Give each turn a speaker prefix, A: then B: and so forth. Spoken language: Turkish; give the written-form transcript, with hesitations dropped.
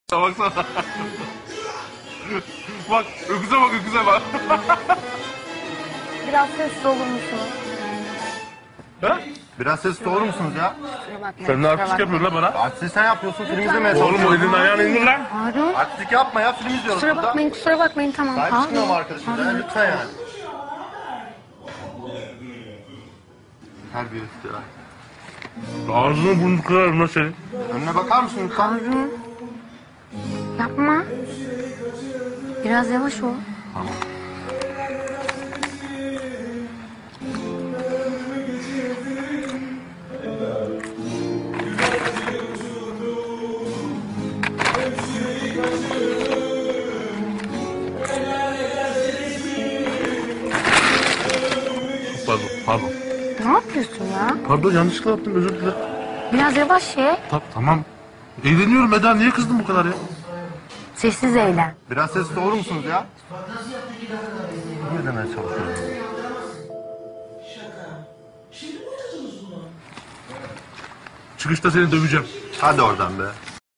A: Baksana. Bak öküze bak öküze bak.
B: Biraz sessiz olur musunuz?
A: Ha?
C: Biraz sessiz olur musunuz ya?
B: Kusura bakmayın.
A: Sen ne
B: kusura
A: artistik yapıyorsun lan bana?
C: Artistlik sen yapıyorsun, film izlemeye
A: Oğlum o
C: çalışıyorsun.
A: elini ayağını indir lan.
B: Harun.
C: Artistlik yapma ya, film izliyoruz
B: Kusura
C: burada.
B: bakmayın, kusura bakmayın. Tamam.
C: Sahip çıkmıyor mu arkadaşımıza ya? Lütfen yani. Terbiyesiz ya.
A: Ağzını burnunu kırarım lan senin.
C: Önüne bakar mısın lütfen?
B: Harun. Yapma. Biraz yavaş ol.
C: Tamam.
A: Pardon.
B: Ne yapıyorsun ya?
A: Pardon yanlışlıkla yaptım özür dilerim.
B: Biraz yavaş ye.
A: Tamam. Eğleniyorum Eda niye kızdın bu kadar ya?
B: Sessiz eğlen.
C: Biraz sessiz olur musunuz ya? Ne demeye çalışıyorsun?
A: Çıkışta seni döveceğim.
C: Hadi oradan be.